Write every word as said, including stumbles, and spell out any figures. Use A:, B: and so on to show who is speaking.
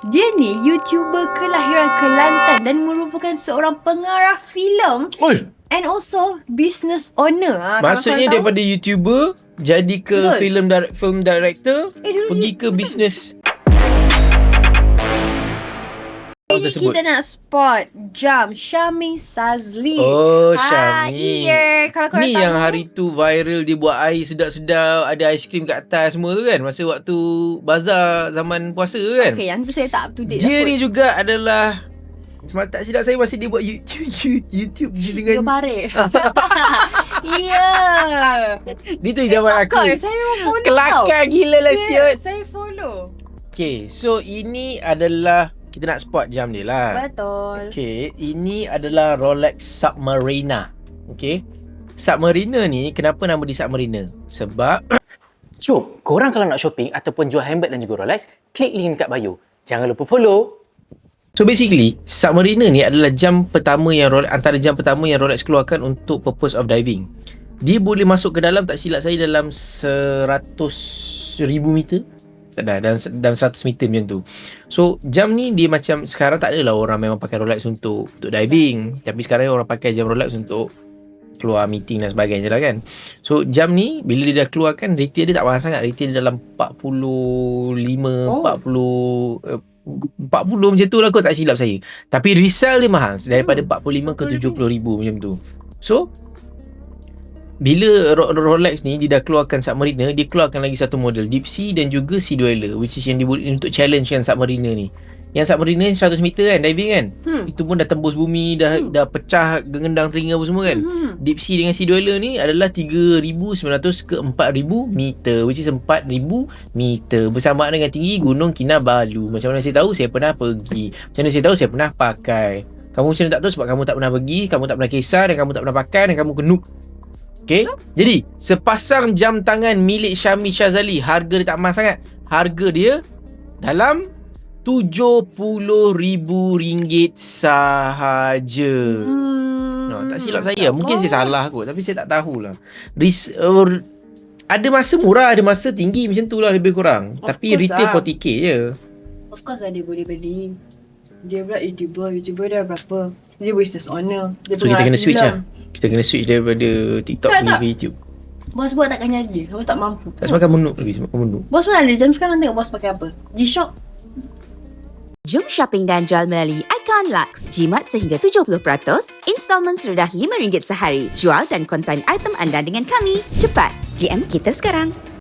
A: Dia ni YouTuber kelahiran Kelantan dan merupakan seorang pengarah filem
B: Oi,
A: and also business owner. Ha,
B: maksudnya daripada YouTuber jadi ke
A: Betul.
B: film di- film director,
A: Eh, dulu
B: pergi
A: ni-
B: ke bisnes
A: Ini
B: tersebut.
A: kita nak spot jam Syami Sazli.
B: Oh,
A: Ah,
B: Syami.
A: iya. Kalau korang
B: Ni
A: tahu,
B: yang hari tu viral dia buat air sedap-sedap, ada aiskrim kat atas semua tu kan, masa waktu bazar zaman puasa tu kan.
A: okay, yang tu saya tak up to date.
B: Dia
A: lah
B: ni
A: kot.
B: juga adalah, semasa tak silap saya masih dia buat YouTube YouTube dia
A: Tiga
B: dengan
A: parit. Iya.
B: dia tu zaman aku.
A: Kelakar. Saya memang follow tau.
B: Kelakar gila lah
A: Ya,
B: siot.
A: saya follow.
B: Okay, so ini adalah kita nak spot jam dia lah.
A: Betul.
B: Okay, ini adalah Rolex Submariner. Okay, Submariner ni kenapa nama dia Submariner? Sebab
C: Jom, korang kalau nak shopping ataupun jual handbag dan juga Rolex, klik link dekat bio. Jangan lupa follow.
B: So basically, Submariner ni adalah jam pertama yang Rolex, antara jam pertama yang Rolex keluarkan untuk purpose of diving. Dia boleh masuk ke dalam, tak silap saya, dalam seratus ribu meter. Tak dah, dalam, dalam seratus meter macam tu. So jam ni dia macam, sekarang tak adalah orang memang pakai Rolex untuk untuk diving, tapi sekarang orang pakai jam Rolex untuk keluar meeting dan sebagainya lah kan. So jam ni bila dia dah keluarkan, retail dia tak mahal sangat. Retail dia dalam empat puluh lima,
A: Oh.
B: empat puluh eh, empat puluh macam tu lah kot, tak silap saya. Tapi resell dia mahal, daripada
A: Hmm.
B: empat puluh lima ke tujuh puluh ribu macam tu. So bila Ro- Rolex ni dia dah keluarkan Submariner, dia keluarkan lagi satu model Deep Sea dan juga Sea Dweller, which is yang dia buat untuk challenge yang Submariner ni. Yang Submariner ni seratus meter kan, diving kan.
A: Hmm.
B: Itu pun dah tembus bumi, dah
A: Hmm.
B: dah pecah gengendang telinga apa semua kan.
A: Hmm.
B: Deep Sea dengan Sea Dweller ni adalah tiga ribu sembilan ratus ke empat ribu meter, which is empat ribu meter, bersamaan dengan tinggi Gunung Kinabalu. Macam mana saya tahu? Saya pernah pergi. Macam mana saya tahu? Saya pernah pakai. Kamu macam mana tak tahu? Sebab kamu tak pernah pergi, kamu tak pernah kisah, dan kamu tak pernah pakai, dan kamu kenuk. Okay, jadi sepasang jam tangan milik Syami Shazali, harga dia tak mahal sangat. Harga dia dalam tujuh puluh ribu ringgit sahaja.
A: Hmm.
B: No, tak silap saya. Mungkin saya salah kot, tapi saya tak tahulah. Ris, uh, ada masa murah, ada masa tinggi macam tu lah lebih kurang.
A: Of
B: Tapi
A: course
B: retail
A: lah.
B: empat puluh K je.
A: Of course lah dia boleh beli. Dia pula YouTuber. YouTuber dia berapa? Dia business owner. Dia
B: So kita
A: pengarah
B: kena switch
A: filem.
B: lah. Kita kena switch daripada TikTok
A: Tak,
B: ni
A: tak.
B: ke YouTube.
A: Bos buat takkan jadi. Bos tak mampu.
B: Tak semakan menuk lagi, semakan menuk.
A: Bos pun ada jam sekarang, tengok bos pakai apa. G-Shock.
D: Jom shopping dan jual melalui Icon Lux. Jimat sehingga tujuh puluh peratus, installment serendah lima ringgit sehari. Jual dan konsign item anda dengan kami. Cepat, D M kita sekarang.